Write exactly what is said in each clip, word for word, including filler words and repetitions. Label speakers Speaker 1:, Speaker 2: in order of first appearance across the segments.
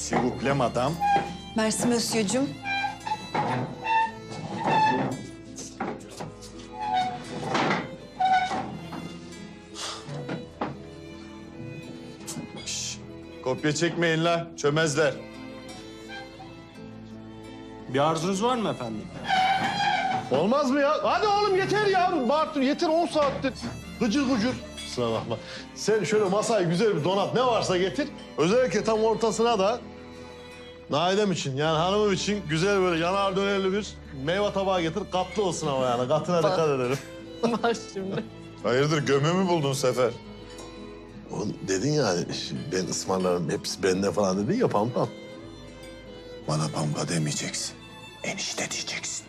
Speaker 1: S'il vous plaît madame.
Speaker 2: Merci monsieur'cum.
Speaker 1: Şş, kopya çekmeyin la, çömezler.
Speaker 3: Bir arzunuz var mı efendim?
Speaker 4: Olmaz mı ya? Hadi oğlum yeter ya. Bartu yeter on saattir. Gıcır gıcır. Kusura bakma. Sen şöyle masayı güzel bir donat ne varsa getir. Özellikle tam ortasına da Naidem için yani hanımım için güzel böyle yanar dönerli bir meyve tabağı getir. Katlı olsun ama yani katına dikkat edelim.
Speaker 5: Bak şimdi.
Speaker 1: Hayırdır göme mi buldun Sefer?
Speaker 4: Oğlum dedin ya ben ısmarlarım hepsi bende falan dedin ya Pampam.
Speaker 1: Bana pampa demeyeceksin. Enişte diyeceksin.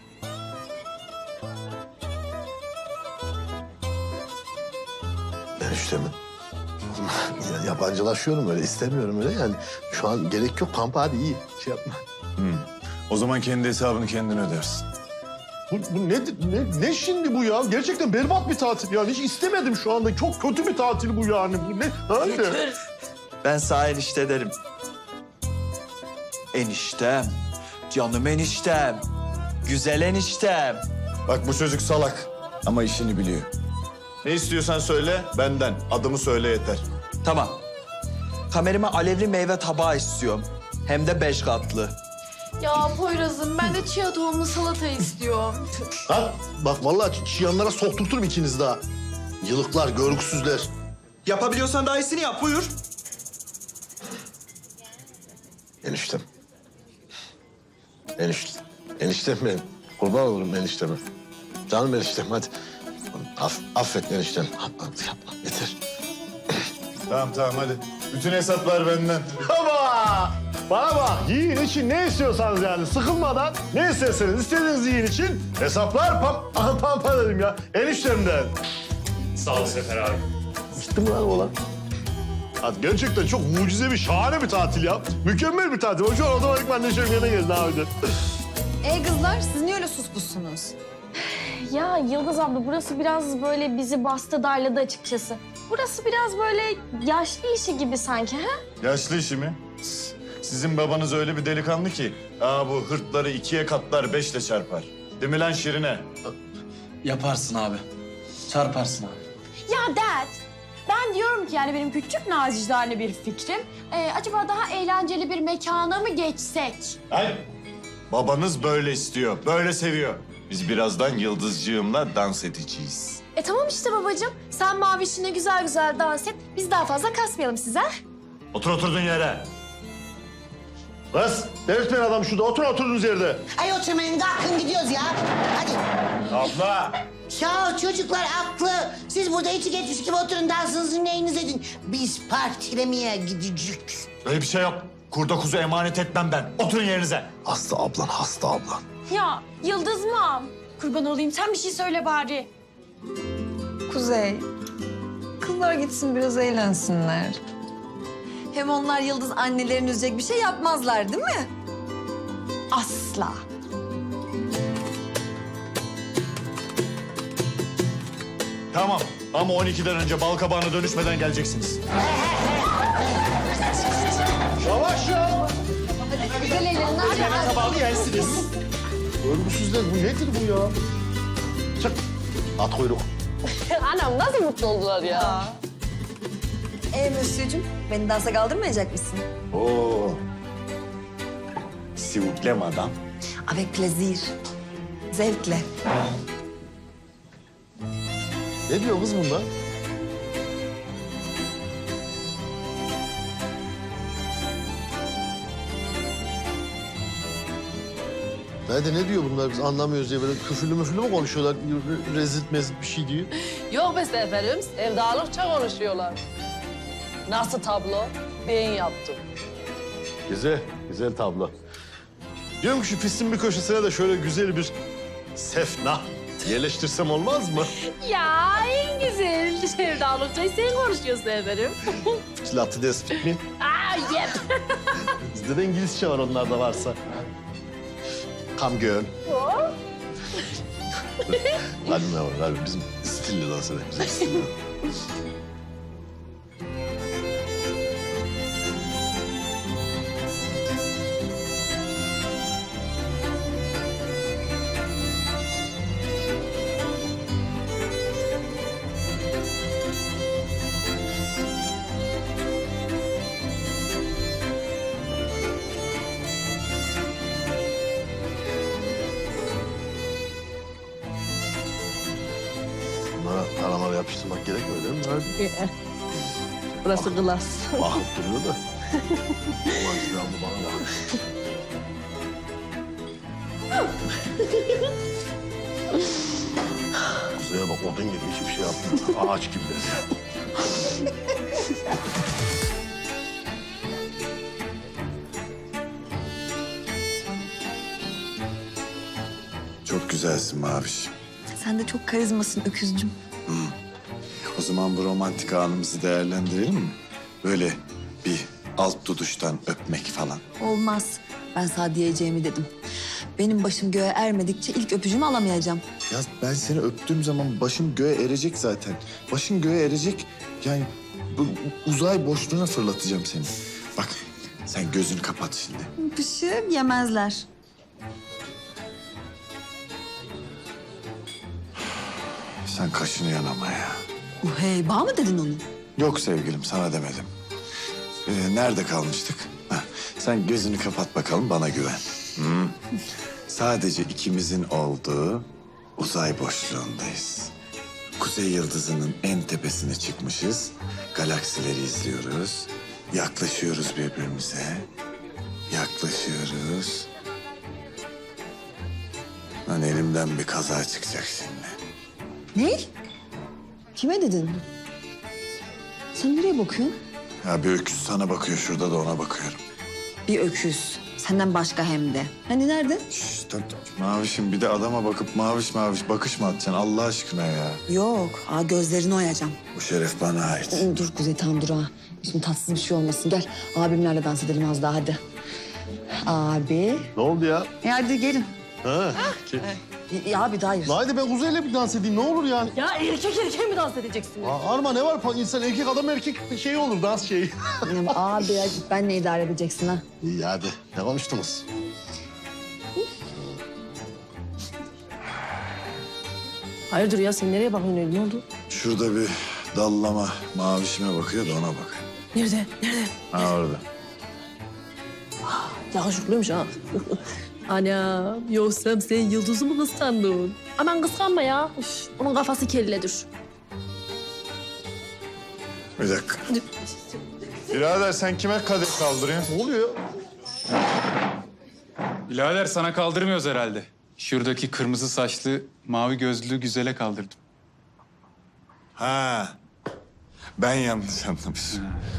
Speaker 4: Ben işte mi? Ya, yabancılaşıyorum öyle istemiyorum öyle yani. Şu an gerek yok Pampa hadi iyi şey yapma.
Speaker 1: O zaman kendi hesabını kendin ödersin.
Speaker 4: Bu, bu ne, ne, ne şimdi bu ya? Gerçekten berbat bir tatil yani. Hiç istemedim şu anda. Çok kötü bir tatil bu yani. Bu ne? Hadi.
Speaker 6: Ben sağ enişte derim. Eniştem, canım eniştem, güzel eniştem.
Speaker 1: Bak bu çocuk salak ama işini biliyor. Ne istiyorsan söyle benden. Adımı söyle yeter.
Speaker 6: Tamam. Kamerime alevli meyve tabağı istiyorum. Hem de beş katlı.
Speaker 5: Ya Poyraz'ım ben de chia tohumlu salata istiyorum.
Speaker 4: Ha, bak vallahi çiyanlara sokturturum ikiniz daha. Yılıklar, görgüsüzler.
Speaker 6: Yapabiliyorsan daha iyisini yap, buyur.
Speaker 4: Eniştem. Enişte. Eniştem benim. Kurban olurum enişteme. Canım eniştem hadi. Aff, affet eniştem. Hadi yapma yeter.
Speaker 1: Tamam tamam hadi. Bütün hesaplar benden.
Speaker 4: Ama bana bak yiyin için ne istiyorsanız yani sıkılmadan ne isterseniz istediğiniz yiyin için hesaplar pam aha, pampa dedim ya eniştemden.
Speaker 3: Sağ ol Sefer abi.
Speaker 4: Gitti mi lan oğlan? Hadi gerçekten çok mucize bir şahane bir tatil ya. Mükemmel bir tatil. Şu an otomatikman neşem yerine geldi abi.
Speaker 2: E kızlar siz niye öyle suspussunuz?
Speaker 7: Ya Yıldız abla burası biraz böyle bizi bastı darladı açıkçası. Burası biraz böyle yaşlı işi gibi sanki ha?
Speaker 1: Yaşlı işi mi? Sizin babanız öyle bir delikanlı ki. Aa bu hırtları ikiye katlar beşle çarpar. Değil mi lan Şirine?
Speaker 6: Yaparsın abi. Çarparsın abi.
Speaker 7: Ya dad, ben diyorum ki yani benim küçük nazicane bir fikrim. Ee, acaba daha eğlenceli bir mekana mı geçsek?
Speaker 1: Hayır. Babanız böyle istiyor, böyle seviyor. Biz birazdan Yıldızcığımla dans edeceğiz.
Speaker 7: E tamam işte babacığım. Sen mavişine güzel güzel dans et. Biz daha fazla kasmayalım size.
Speaker 1: Otur oturduğun yere.
Speaker 4: Kız delirtmeyin adam şurada. Otur oturduğunuz yerde.
Speaker 8: Ay oturmayın kalkın gidiyoruz ya. Hadi.
Speaker 1: Abla.
Speaker 8: Ya çocuklar haklı. Siz burada içi geçmiş gibi oturun dansınızı neyiniz edin. Biz partilemeye gideceğiz.
Speaker 1: Öyle bir şey yok. Kurda kuzu emanet etmem ben. Oturun yerinize.
Speaker 4: Hasta ablan, hasta ablan.
Speaker 7: Ya Yıldız mam. Kurban olayım sen bir şey söyle bari.
Speaker 2: Kuzey, kızlar gitsin biraz eğlensinler. Hem onlar Yıldız annelerini üzecek bir şey yapmazlar değil mi?
Speaker 7: Asla.
Speaker 1: Tamam ama on ikiden önce balkabağına dönüşmeden geleceksiniz.
Speaker 4: Yavaş ya.
Speaker 7: Güzel eğlenin.
Speaker 4: Tabağını yersiniz. Örgüsüzler bu nedir bu ya? Çık. At kuyruk.
Speaker 5: Anam nasıl mutlu oldular ya.
Speaker 2: E monsieur'cum, beni dansa kaldırmayacak mısın?
Speaker 1: Oo. S'il vous plaît madame.
Speaker 2: Avec plaisir. Zevkle.
Speaker 4: Ne diyor kız bunlar? Nerede ne diyor bunlar biz anlamıyoruz diye böyle küfürlü müfürlü mü konuşuyorlar? Re- Rezil mezil bir şey diyor.
Speaker 5: Yok be Seferim, sevdalıkça konuşuyorlar. Nasıl tablo? Ben yaptım.
Speaker 4: Güzel, güzel tablo. Diyorum ki şu pistin bir köşesine de şöyle güzel bir sefna yerleştirsem olmaz mı?
Speaker 5: Ya en güzel sevdalıkça sen konuşuyorsun Seferim.
Speaker 4: Latte despit mi?
Speaker 5: Aa yep.
Speaker 4: Bizde de İngilizce var onlarda varsa. Come girl. Hadi ne var, hadi bizim stilli dans edelim. Bizim stilli. Bunları yapıştırmak gerekmiyor değil mi? Hadi.
Speaker 5: Burası klas.
Speaker 4: Bakıp duruyor da. Macide abla bana bak. Kuzey'e bak odun gibi hiçbir şey yapmıyor. Ağaç gibi de.
Speaker 1: Çok güzelsin Maviş.
Speaker 2: Sen de çok karizmasın öküzcüm.
Speaker 1: O zaman bu romantik anımızı değerlendirelim mi? Böyle bir alt duduştan öpmek falan.
Speaker 2: Olmaz. Ben sana diyeceğimi dedim. Benim başım göğe ermedikçe ilk öpücüğümü alamayacağım.
Speaker 1: Ya ben seni öptüğüm zaman başım göğe erecek zaten. Başın göğe erecek. Yani bu uzay boşluğuna fırlatacağım seni. Bak sen gözünü kapat şimdi.
Speaker 2: Pışı yemezler.
Speaker 1: Sen kaşını yanama ya.
Speaker 2: Uh, hey, bağ mı dedin onu?
Speaker 1: Yok sevgilim sana demedim. Ee, nerede kalmıştık? Heh, sen gözünü kapat bakalım bana güven. Hı? Sadece ikimizin olduğu uzay boşluğundayız. Kuzey yıldızının en tepesine çıkmışız. Galaksileri izliyoruz. Yaklaşıyoruz birbirimize. Yaklaşıyoruz. Lan elimden bir kaza çıkacak şimdi.
Speaker 2: Ne? Kime dedin? Sen nereye bakıyorsun?
Speaker 1: Ya bir öküz sana bakıyor şurada da ona bakıyorum.
Speaker 2: Bir öküz. Senden başka hem de. Hani nerede?
Speaker 1: Şşş dur, dur. Mavişim bir de adama bakıp maviş maviş bakış mı atacaksın Allah aşkına ya?
Speaker 2: Yok. Aa, gözlerini oyacağım.
Speaker 1: Bu şeref bana ait.
Speaker 2: Dur Kuzey tamam dur ha. Şimdi tatsız bir şey olmasın. Gel abimlerle dans edelim az daha hadi. Abi.
Speaker 4: Ne oldu ya?
Speaker 2: E hadi gelin.
Speaker 4: Ha. ki-
Speaker 2: Ya abi daha hayır.
Speaker 4: Haydi ben Kuzey'le bir dans edeyim ne olur yani.
Speaker 5: Ya erkek erkeğe mi dans edeceksiniz?
Speaker 4: Aa, Arma ne var? İnsan erkek adam erkek şey olur dans şeyi.
Speaker 2: Ya abi ya ben ne idare edeceksin ha?
Speaker 4: İyi hadi. Ne konuştunuz?
Speaker 5: Hayırdır ya sen nereye bakıyorsun öyle? Ne oldu?
Speaker 1: Şurada bir dallama mavişime bakıyor da ona bak.
Speaker 5: Nerede? Nerede?
Speaker 1: Ha orada.
Speaker 5: Yakışıklıymış ha. Ana yoksa sen Yıldız'ı mı kıskandın?
Speaker 7: Aman kıskanma ya. Üf, onun kafası kelledir.
Speaker 1: Bir dakika. Birader sen kime kadeh kaldırıyorsun?
Speaker 4: Ne oluyor?
Speaker 9: Birader sana kaldırmıyoruz herhalde. Şuradaki kırmızı saçlı, mavi gözlü güzele kaldırdım.
Speaker 1: Ha. Ben yanlış anlamışım.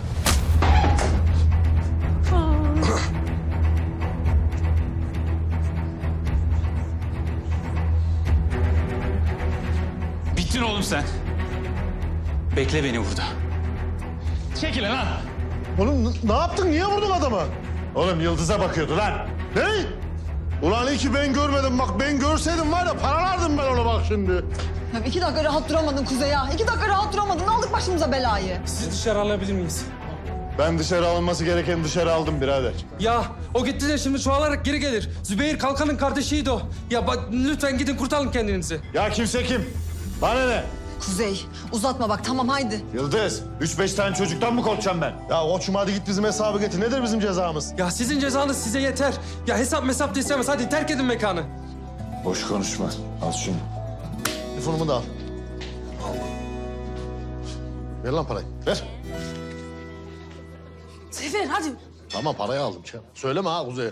Speaker 9: Bittin oğlum sen. Bekle beni burada. Çekil lan.
Speaker 4: Oğlum n- ne yaptın? Niye vurdun adamı?
Speaker 1: Oğlum Yıldız'a bakıyordu lan.
Speaker 4: Ne? Ulan iyi ki ben görmedim. Bak ben görseydim var ya paralardım ben ona bak şimdi.
Speaker 2: Ya iki dakika rahat duramadın Kuzey ya. İki dakika rahat duramadın. Aldık başımıza belayı.
Speaker 3: Sizi dışarı alabilir miyiz?
Speaker 1: Ben dışarı alınması gereken dışarı aldım birader.
Speaker 3: Ya o gitti de şimdi çoğalarak geri gelir. Zübeyir Kalkan'ın kardeşiydi o. Ya bak lütfen gidin kurtarın kendinizi.
Speaker 1: Ya kimse kim? Bana ne?
Speaker 2: Kuzey uzatma bak tamam haydi.
Speaker 1: Yıldız, üç beş tane çocuktan mı korkacağım ben?
Speaker 4: Ya koçum hadi git bizim hesabı getir. Nedir bizim cezamız?
Speaker 3: Ya sizin cezanız size yeter. Ya hesap mesap da istemez. Hadi terk edin mekanı.
Speaker 1: Boş konuşma. Al şunu.
Speaker 4: Telefonumu da al. Ver lan parayı. Ver.
Speaker 5: Sefer hadi.
Speaker 4: Tamam parayı aldım. Şey. Söyleme ha Kuzey'e.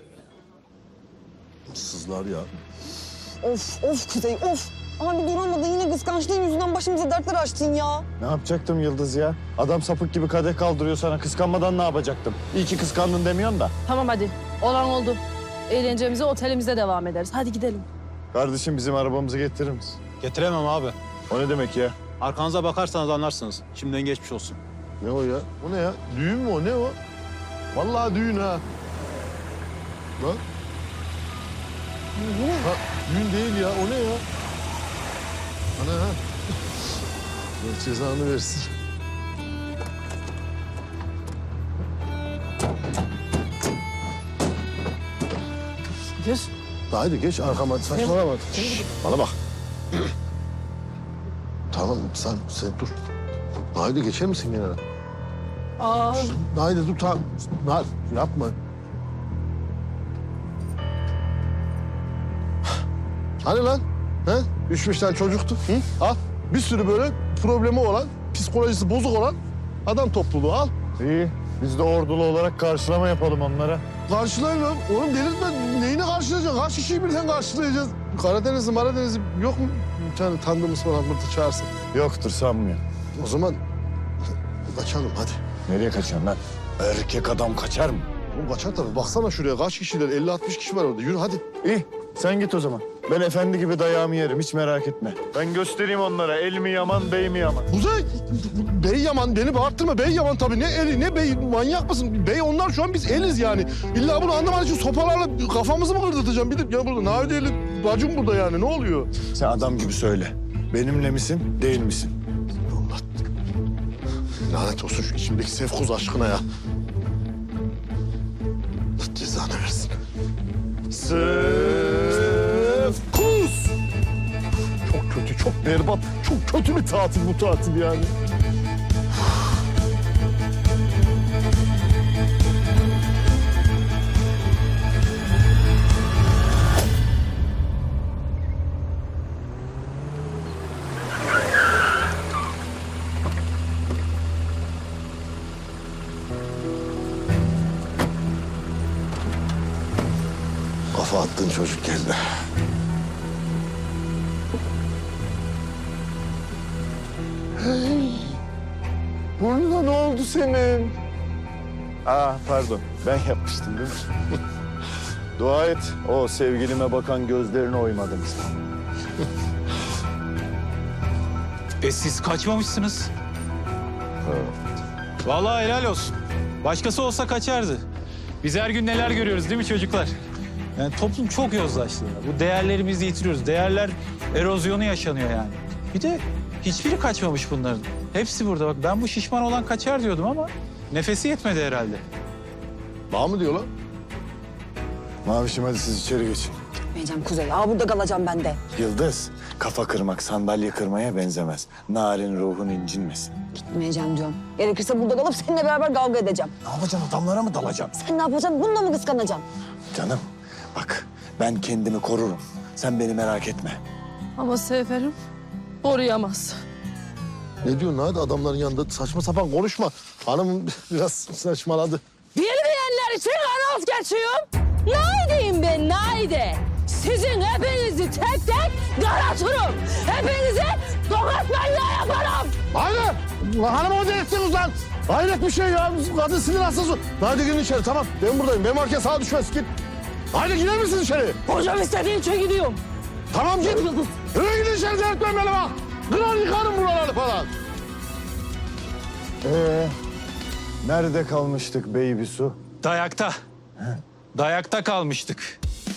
Speaker 4: Sızlar ya.
Speaker 2: Of of Kuzey of. Abi duramadın yine kıskançlığın yüzünden başımıza dertler açtın ya.
Speaker 1: Ne yapacaktım Yıldız ya? Adam sapık gibi kadeh kaldırıyor sana. Kıskanmadan ne yapacaktım? İyi ki kıskandın demiyorsun da.
Speaker 5: Tamam hadi. Olan oldu. Eğlencemize otelimizde devam ederiz. Hadi gidelim.
Speaker 1: Kardeşim bizim arabamızı getirir misin?
Speaker 10: Getiremem abi.
Speaker 1: O ne demek ya?
Speaker 10: Arkanıza bakarsanız anlarsınız. Şimdiden geçmiş olsun.
Speaker 4: Ne o ya? O ne ya? Düğün mü o? Ne o? Vallahi düğün ha. Lan. Ha, düğün değil ya. O ne ya? Ana ha. Allah cezanı versin.
Speaker 5: Geç.
Speaker 4: Haydi geç arkama saçmalama. Bana bak. Tamam sen sen dur. Haydi geçer misin kenara?
Speaker 5: Aa,
Speaker 4: Haydi dur tamam. Hayır, yapma. Hani lan? He? Üç beş tane çocuktu. Hı? Al. Bir sürü böyle problemi olan, psikolojisi bozuk olan adam topluluğu al.
Speaker 11: İyi. Biz de ordulu olarak karşılama yapalım onlara.
Speaker 4: Karşılayalım. Oğlum delirtme. Neyini karşılayacaksın? Kaç kişiyi birden karşılayacağız? Karadenizli, Maradenizli yok mu? Bir tane tanıdığımız falan burada çağırsın.
Speaker 11: Yoktur sanmıyorum.
Speaker 4: O zaman kaçalım hadi.
Speaker 11: Nereye kaçıyorsun lan? Erkek adam kaçar mı?
Speaker 4: Oğlum kaçar tabii. Baksana şuraya kaç kişiler? elli altmış kişi var orada. Yürü hadi.
Speaker 11: İyi. Sen git o zaman. Ben efendi gibi dayağımı yerim. Hiç merak etme. Ben göstereyim onlara. El mi yaman, bey mi yaman?
Speaker 4: Kuzey, Bey Yaman beni bağırtırma. Bey Yaman tabii. Ne eli ne bey, manyak mısın? Bey onlar şu an biz eliz yani. İlla bunu anlaman için sopalarla kafamızı mı kırdırtacağım? Bir de ya burada Navide'li bacım burada yani. Ne oluyor?
Speaker 11: Sen adam gibi söyle. Benimle misin, değil misin?
Speaker 4: Allah. Lanet olsun şu içimdeki Sefkuz aşkına ya. Allah cezanı versin. Sefkuz! Çok kötü, çok berbat, çok kötü bir tatil bu tatil yani. Kafa attığın çocuk geldi. Hey, burnuna ne oldu senin?
Speaker 11: Aa pardon. Ben yapmıştım değil mi? Dua et. O sevgilime bakan gözlerine oymadım.
Speaker 9: E siz kaçmamışsınız. Vallahi helal olsun. Başkası olsa kaçardı. Biz her gün neler görüyoruz değil mi çocuklar? Yani toplum çok yozlaştı. Bu değerlerimizi yitiriyoruz. Değerler erozyonu yaşanıyor yani. Bir de hiçbiri kaçmamış bunların. Hepsi burada. Bak ben bu şişman olan kaçar diyordum ama nefesi yetmedi herhalde.
Speaker 4: Bana mı diyor lan?
Speaker 11: Mavişim hadi siz içeri geçin.
Speaker 2: Gitmeyeceğim Kuzey. Aa burada kalacağım ben de.
Speaker 11: Yıldız, kafa kırmak sandalye kırmaya benzemez. Narin ruhun incinmesin.
Speaker 2: Gitmeyeceğim diyorum. Gerekirse burada kalıp seninle beraber kavga edeceğim.
Speaker 11: Ne yapacaksın? Adamlara mı dalacaksın?
Speaker 2: Sen ne yapacaksın? Bununla mı kıskanacaksın?
Speaker 11: Canım, bak ben kendimi korurum. Sen beni merak etme.
Speaker 5: Ama Seferim koruyamaz.
Speaker 4: Ne diyorsun hadi adamların yanında saçma sapan konuşma. Hanım biraz saçmaladı.
Speaker 5: Bilmeyenler için anons geçiyorum. Naideyim ben, naide. Sizin hepinizi tek tek karartırım. Hepinizi tokat manyağı yaparım.
Speaker 4: Haydi! Ulan hanım o delirttiniz lan. Hayret bir şey ya. Kadın sinir hastası. Hadi girin içeri tamam. Ben buradayım. Benim varken sağa düşmez. Git. Haydi gider misin içeri?
Speaker 5: Hocam istediğin için gidiyorum.
Speaker 4: Tamam git. Yürü gidin içeri delirtmeyin beni bak. Kırar yıkarım buraları falan.
Speaker 11: Ee, nerede kalmıştık baby su?
Speaker 9: Dayakta. Dayakta kalmıştık.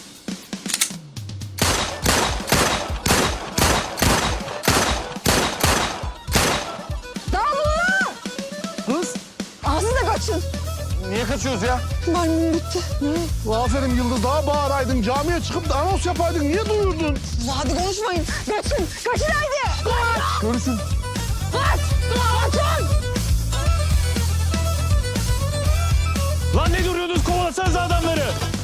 Speaker 4: Kız.
Speaker 2: Siz de kaçın.
Speaker 4: Niye kaçıyoruz ya?
Speaker 2: Mermim bitti.
Speaker 4: Aferin Yıldız. Daha bağıraydın. Camiye çıkıp da anons yapaydın. Niye duyurdun?
Speaker 2: Hadi konuşmayın. Kaçın. Kaçın haydi.
Speaker 4: Görüşün.
Speaker 5: Kaç! Kaçın!
Speaker 3: Lan ne duruyorsunuz? Kovalasanız adamları.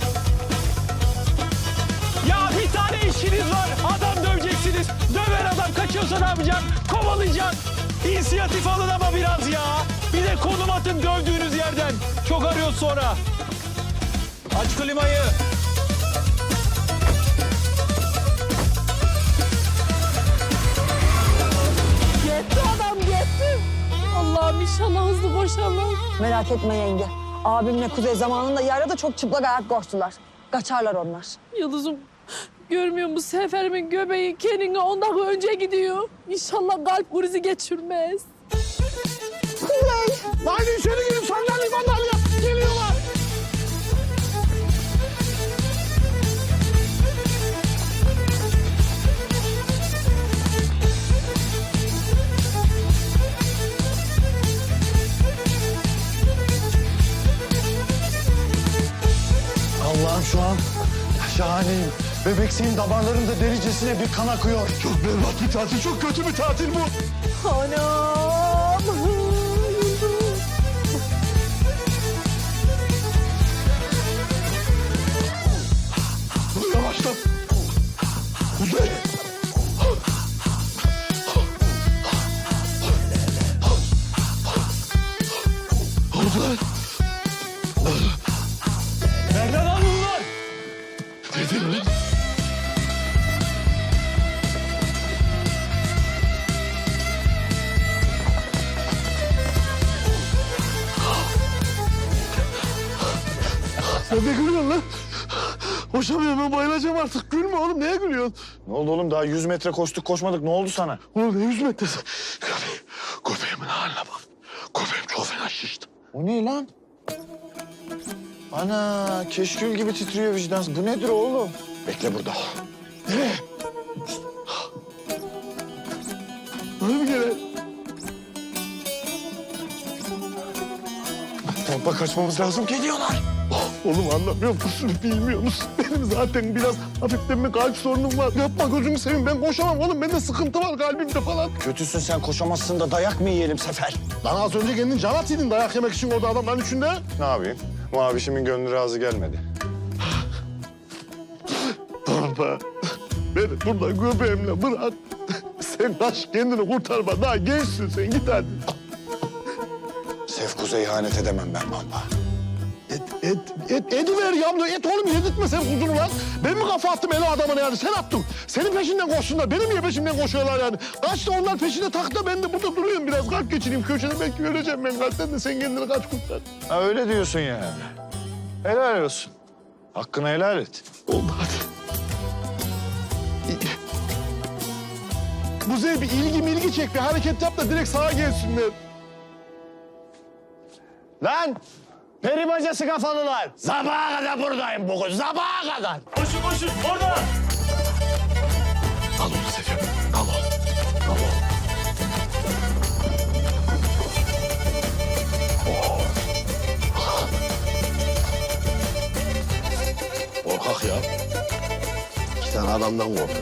Speaker 3: Ya bir tane işiniz var. Adam döveceksiniz. Döver adam kaçıyorsa ne yapacaksın? Kovalayacaksın. İnisiyatif alın ama biraz ya. Bir de konum atın dövdüğünüz yerden. Çok arıyoruz sonra. Aç klimayı.
Speaker 5: Gitti adam gitti. Allah'ım inşallah hızlı boşalır.
Speaker 2: Merak etme yenge. Abimle Kuzey zamanında yaylada çok çıplak ayak koştular. Kaçarlar onlar.
Speaker 5: Yıldız'ım görmüyor musun? Seferimin göbeği kendine on dakika önce gidiyor. İnşallah kalp krizi geçirmez.
Speaker 4: Haydi içeri girin. Sandalye sandalye. Geliyorlar.
Speaker 11: Allah'ım şu an şahaneyim. Bebeksiğin damarlarında delicesine bir kan akıyor.
Speaker 4: Çok berbat bir tatil. Çok kötü bir tatil bu.
Speaker 5: Anam. Yıldız.
Speaker 4: Yavaşla. Kuzey. Sen ne gülüyorsun lan? Koşamıyorum, ben bayılacağım artık. Gülme oğlum, neye gülüyorsun?
Speaker 11: Ne oldu oğlum? Daha yüz metre koştuk koşmadık. Ne oldu sana?
Speaker 4: Oğlum ne yüz metresi? Köpeğim, köpeğimin haline bak. Köpeğim çok fena şişti.
Speaker 11: O ne lan? Ana keşkül gibi titriyor vicdan. Bu nedir oğlum? Bekle burada.
Speaker 4: Nereye? Böyle mi gene?
Speaker 11: Pompa kaçmamız lazım. Geliyorlar.
Speaker 4: Oğlum anlamıyor musun, bilmiyor musun? Benim zaten biraz hafiften bir kalp sorunum var. Yapma gözümü seveyim, ben koşamam oğlum. Bende sıkıntı var kalbimde falan.
Speaker 11: Kötüsün sen, koşamazsın da dayak mı yiyelim Sefer?
Speaker 4: Lan az önce kendin can atıyordun dayak yemek için orada adamların içinde.
Speaker 11: Ne yapayım? Mavişimin gönlü razı gelmedi.
Speaker 4: Pampa, beni burada göbeğimle bırak. Sen kaç, kendini kurtarma. Daha gençsin sen, git hadi.
Speaker 11: Sefkuz'a ihanet edemem ben Pampa.
Speaker 4: Et, et, et, ediver ya. Et oğlum, yedirtme sen kuzunu lan. Ben mi kafa attım el o adamına yani? Sen attın. Senin peşinden koşsunlar. Benim niye peşimden koşuyorlar yani? Kaç da onlar peşinde taktı da ben de burada duruyorum biraz. Kalp geçireyim köşede, belki öleceğim ben kalpten de sen kendini kaç kurtar.
Speaker 11: Ha öyle diyorsun yani. Helal olsun. Hakkını helal et.
Speaker 4: Oldu hadi. Kuzey bir ilgi milgi çek, bir hareket yap da direkt sağa gelsinler.
Speaker 11: Lan! Peri bacası kafalılar! Sabaha kadar buradayım bugün, sabaha kadar!
Speaker 3: Koşun koşun orada.
Speaker 4: Al onu Sefer, al onu. Al onu. Korkak ya. İki tane adamdan korktu.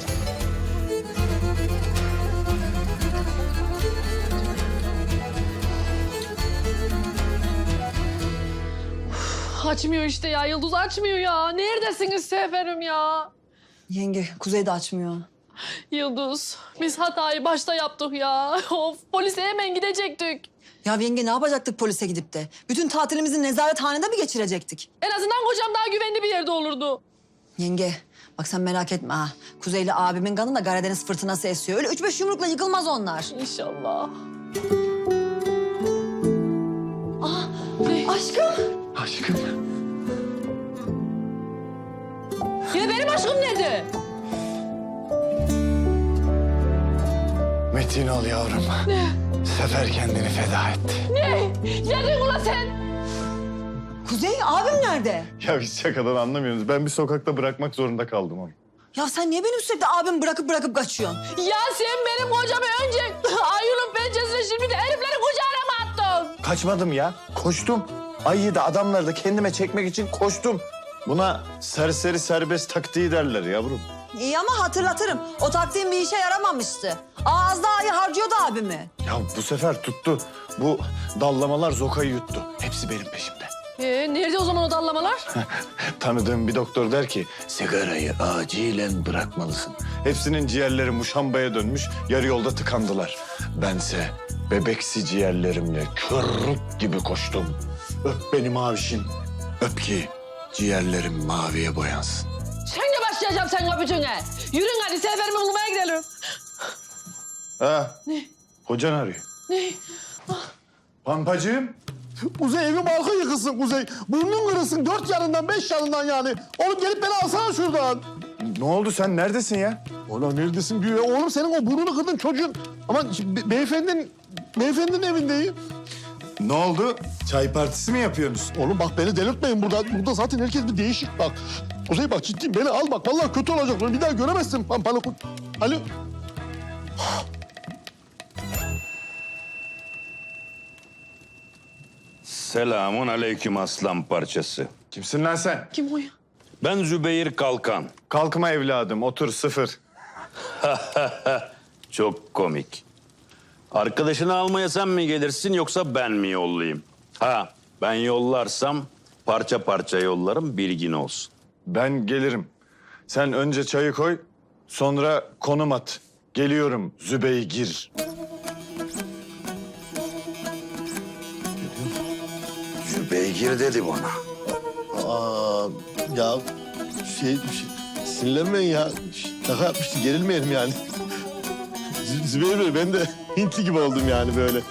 Speaker 5: Açmıyor işte ya. Yıldız açmıyor ya. Neredesiniz Seferim ya?
Speaker 2: Yenge, Kuzey de açmıyor.
Speaker 5: Yıldız, biz hatayı başta yaptık ya. Of, polise hemen gidecektik.
Speaker 2: Ya yenge ne yapacaktık polise gidip de? Bütün tatilimizi nezarethanede mi geçirecektik?
Speaker 5: En azından kocam daha güvenli bir yerde olurdu.
Speaker 2: Yenge, bak sen merak etme ha. Kuzeyli abimin kanında Karadeniz fırtınası esiyor. Öyle üç beş yumrukla yıkılmaz onlar.
Speaker 5: İnşallah.
Speaker 2: Aşkım.
Speaker 1: Aşkım.
Speaker 5: Ya benim aşkım nerede?
Speaker 1: Metin ol yavrum. Ne? Sefer kendini feda etti.
Speaker 5: Ne? Neredin ulan sen?
Speaker 2: Kuzey, abim nerede?
Speaker 11: Ya biz şakadan anlamıyorsunuz. Ben bir sokakta bırakmak zorunda kaldım onu.
Speaker 2: Ya sen niye benim sürekli abim bırakıp bırakıp kaçıyorsun?
Speaker 5: Ya sen benim kocamı önce Ayun'un pençesine şimdi de heriflerin kucağına mı attın?
Speaker 11: Kaçmadım ya, koştum. Ayıyı da adamları da kendime çekmek için koştum. Buna serseri serbest taktiği derler yavrum.
Speaker 2: İyi ama hatırlatırım. O taktiğin bir işe yaramamıştı. Ağızda ayı harcıyordu abimi.
Speaker 11: Ya bu sefer tuttu. Bu dallamalar zokayı yuttu. Hepsi benim peşimde.
Speaker 5: Ee, nerede o zaman o dallamalar?
Speaker 11: Tanıdığım bir doktor der ki sigarayı acilen bırakmalısın. Hepsinin ciğerleri muşambaya dönmüş, yarı yolda tıkandılar. Bense bebeksi ciğerlerimle körrük gibi koştum. Öp beni mavişim, öp ki ciğerlerim maviye boyansın.
Speaker 5: Şimdi başlayacağım senin öpücüğüne. Yürün hadi Seferimi bulmaya gidelim.
Speaker 11: Ha? Ne? Hocan arıyor.
Speaker 5: Ne?
Speaker 11: Pampacığım.
Speaker 4: Kuzey evim halka yıkılsın Kuzey. Burnun kırılsın dört yanından beş yanından yani. Oğlum gelip beni alsana şuradan.
Speaker 11: Ne oldu, sen neredesin ya?
Speaker 4: Oğlum neredesin güya? Oğlum senin o burnunu kırdın çocuğun. Aman be- beyefendinin, beyefendinin evindeyim.
Speaker 11: Ne oldu? Çay partisi mi yapıyorsunuz?
Speaker 4: Oğlum bak beni delirtmeyin burada. Burada zaten herkes bir değişik bak. Kuzey bak ciddiyim beni al bak. Vallahi kötü olacak. Bir daha göremezsin pampalı. Alo.
Speaker 12: Selamun aleyküm aslan parçası.
Speaker 11: Kimsin lan sen?
Speaker 5: Kim o ya?
Speaker 12: Ben Zübeyir Kalkan.
Speaker 11: Kalkma evladım, otur sıfır.
Speaker 12: Çok komik. Arkadaşını almaya sen mi gelirsin yoksa ben mi yollayayım? Ha, ben yollarsam parça parça yollarım, bilgin olsun.
Speaker 11: Ben gelirim. Sen önce çayı koy, sonra konum at. Geliyorum Zübeygir.
Speaker 12: Zübeygir dedi bana.
Speaker 4: Aa, ya şey, şey Sinirlenmeyin ya. Şş, Şaka yapmıştı, gerilmeyelim yani. Z- Zübeyir Bey, ben de Hintli gibi oldum yani böyle.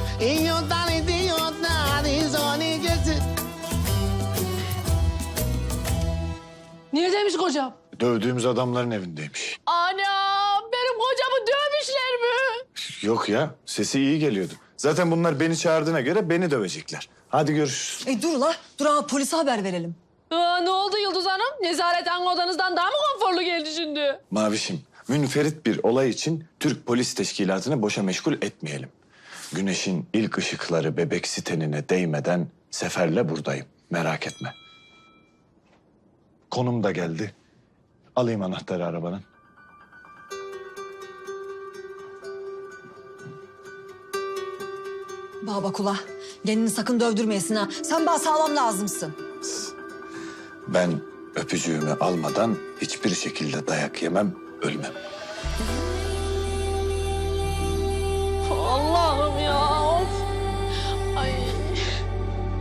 Speaker 5: Neredeymiş kocam?
Speaker 11: Dövdüğümüz adamların evindeymiş.
Speaker 5: Anam benim kocamı dövmüşler mi?
Speaker 11: Yok ya, sesi iyi geliyordu. Zaten bunlar beni çağırdığına göre beni dövecekler. Hadi görüşürüz.
Speaker 2: E dur la, dur ama polise haber verelim.
Speaker 5: Aa, ne oldu Yıldız Hanım? Nezarethane odanızdan daha mı konforlu geldi şimdi?
Speaker 11: Mavişim, münferit bir olay için Türk Polis Teşkilatı'nı boşa meşgul etmeyelim. Güneşin ilk ışıkları bebek sitenine değmeden seferle buradayım. Merak etme. Konum da geldi. Alayım anahtarı arabanın.
Speaker 2: Bana bak ula, kendini sakın dövdürmeyesin ha. Sen bana sağlam lazımsın.
Speaker 11: Ben öpücüğümü almadan hiçbir şekilde dayak yemem, ölmem.
Speaker 5: Allah'ım ya. Of. Ay.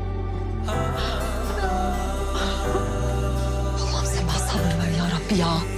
Speaker 2: Allah'ım sen bana sabır ver ya Rabbi ya.